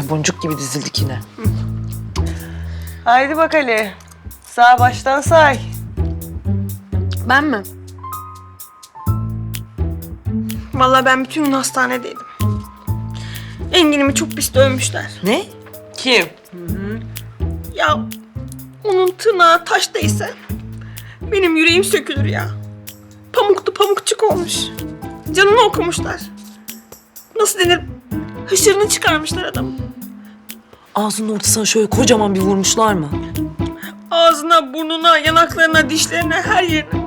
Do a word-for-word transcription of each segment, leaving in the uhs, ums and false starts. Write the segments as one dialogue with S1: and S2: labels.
S1: boncuk gibi dizildik yine.
S2: Haydi bak Ali. Sağ baştan say.
S3: Ben mi? Vallahi ben bütün gün hastanedeydim. Engin'imi çok pis dövmüşler.
S1: Ne?
S2: Kim?
S3: Ya onun tırnağı taş değse benim yüreğim sökülür ya. Pamuktu pamukçuk olmuş. Canını okumuşlar. Nasıl denir? Hışırını çıkarmışlar adamın.
S1: Ağzının ortasına şöyle kocaman bir vurmuşlar mı?
S3: Ağzına, burnuna, yanaklarına, dişlerine, her yerine.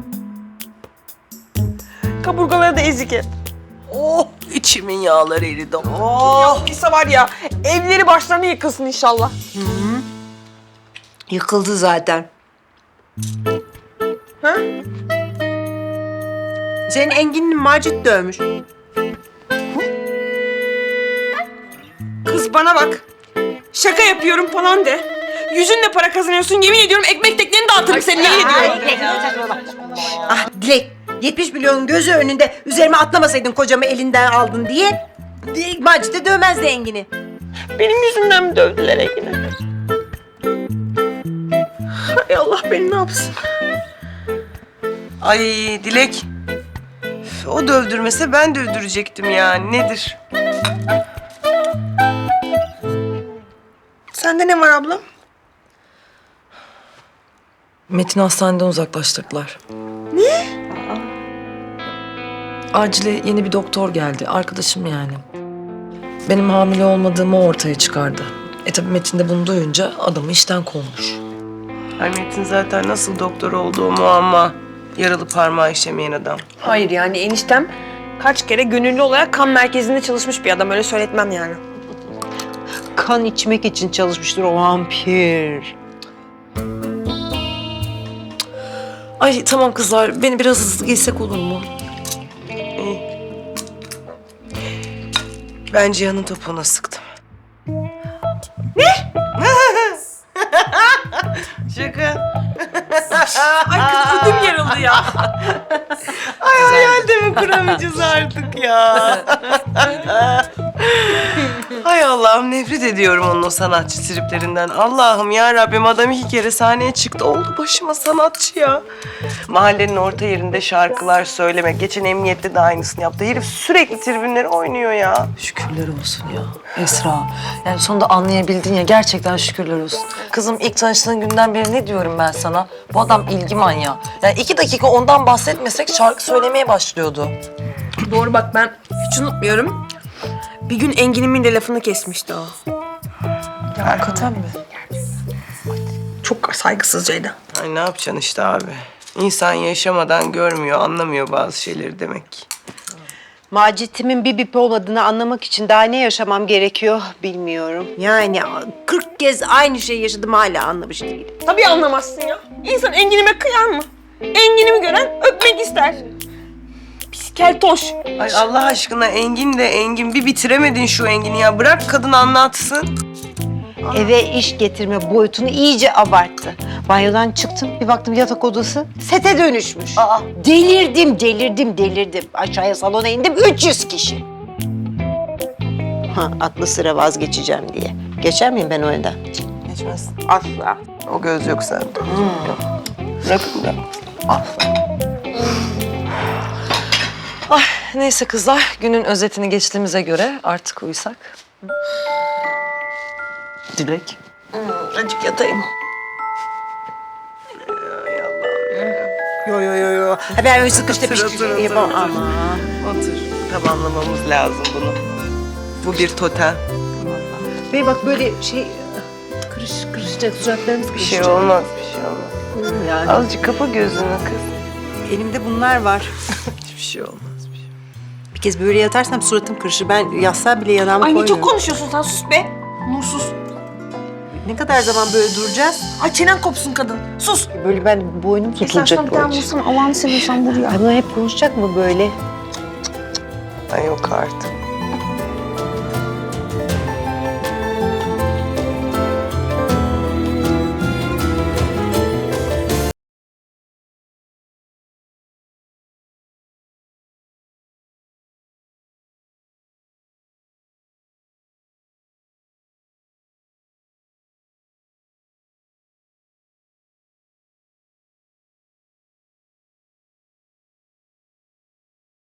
S3: Kaburgaları da ezik hep.
S2: Oh, içimin yağları eridi.
S3: Ya
S2: Oh.
S3: Lisa var ya, evleri başlarına yıkılsın inşallah.
S4: Yıkıldı zaten.
S3: Ha?
S4: Senin Engin'in Macit dövmüş.
S3: Kız bana bak. Şaka yapıyorum falan de. Yüzünle para kazanıyorsun, yemin ediyorum ekmek tekneni dağıtırım seni, yemin ediyorum.
S4: Ah Dilek, yetmiş milyonun gözü önünde üzerime atlamasaydın kocamı elinden aldın diye Macit de dövmezdi Engin'i.
S3: Benim yüzümden mi dövdüler Engin'i? Hay Allah beni ne yapsın?
S2: Ay Dilek. Üf, o dövdürmese ben dövdürecektim ya. Nedir?
S3: Sende ne var ablam?
S1: Metin hastaneden uzaklaştırdılar. Ne? Acile yeni bir doktor geldi. Arkadaşım yani. Benim hamile olmadığımı ortaya çıkardı. E tabii Metin de bunu duyunca adamı işten kovmuş.
S2: Ay Metin zaten nasıl doktor olduğu muamma. Yaralı parmağı işemeyen adam.
S3: Hayır yani eniştem kaç kere gönüllü olarak kan merkezinde çalışmış bir adam. Öyle söyletmem yani.
S4: Kan içmek için çalışmıştır o vampir.
S1: Ay tamam kızlar, beni biraz hızlı giysek olur mu?
S2: İyi. Ben Cihan'ın topuğuna sıktım. Ne? Şaka.
S3: Ay kız ödüm yarıldı ya.
S2: Ay hayalde mi kuramayacağız artık ya? Hay Allah'ım, nefret ediyorum onun o sanatçı triplerinden. Allah'ım ya Rabbim, adam iki kere sahneye çıktı. Oldu başıma sanatçı ya. Mahallenin orta yerinde şarkılar söylemek. Geçen emniyette de aynısını yaptı. Herif sürekli tribünleri oynuyor ya.
S1: Şükürler olsun ya Esra. Yani sonunda anlayabildin ya, gerçekten şükürler olsun. Kızım ilk tanıştığın günden beri ne diyorum ben sana? Bu adam ilgi manyağı. Yani iki dakika ondan bahsetmesek şarkı söylemeye başlıyordu.
S3: Doğru bak ben hiç unutmuyorum. Bir gün Engin'imin de lafını kesmişti o.
S1: Ya hakikaten mi?
S3: Çok saygısızcaydı.
S2: Ay ne yapacaksın işte abi. İnsan yaşamadan görmüyor, anlamıyor bazı şeyleri demek ki.
S4: Macit'imin bir bip olmadığını anlamak için daha ne yaşamam gerekiyor bilmiyorum. Yani kırk kez aynı şeyi yaşadım hala anlamış değilim.
S3: Tabii anlamazsın ya. İnsan Engin'ime kıyar mı? Engin'imi gören öpmek ister. Pis keltoş.
S2: Ay Allah aşkına Engin de Engin. Bir bitiremedin şu Engin'i ya. Bırak kadın anlatsın.
S4: Eve iş getirme boyutunu iyice abarttı. Banyodan çıktım, bir baktım yatak odası sete dönüşmüş. Aa. Delirdim, delirdim, delirdim. Aşağıya salona indim, üç yüz kişi. Ha, aklı sıra vazgeçeceğim diye. Geçer miyim ben o oyundan?
S2: Geçmez.
S4: Asla.
S2: O göz yok sende. Yok. Bırakın da.
S1: Ay neyse kızlar, günün özetini geçtiğimize göre artık uyusak. Dilek.
S3: Azıcık yatayım.
S2: Ay Allah'ım.
S4: Yo yo yo yo. Ha, ben öyle sıkıştı
S2: Otur, otur, otur,
S4: yapamam.
S2: otur.
S4: Ama.
S2: Otur. Tamamlamamız lazım bunu. Bu bir totem.
S4: Ve bak böyle şey kırış kırışacak suratlarımız
S2: Bir
S4: kırışacak.
S2: şey olmaz, bir şey olmaz.
S4: Yani.
S2: Azıcık kapa gözünü kız.
S4: Elimde bunlar var.
S2: Hiçbir şey olmaz. Bir şey.
S4: Bir kez böyle yatarsam suratım kırışır. Ben yatsa bile yanağımı
S3: Ay ne
S4: koymuyorum.
S3: çok konuşuyorsun sen, sus be. Nursuz.
S4: Ne kadar zaman böyle duracağız?
S3: Ay çenen kopsun kadın. Sus.
S4: Böyle ben boynum tutulacak böyle.
S3: vursana Allah'ını seviyorsan vur ya.
S4: Ay bunlar hep konuşacak mı böyle?
S2: Ay yok artık.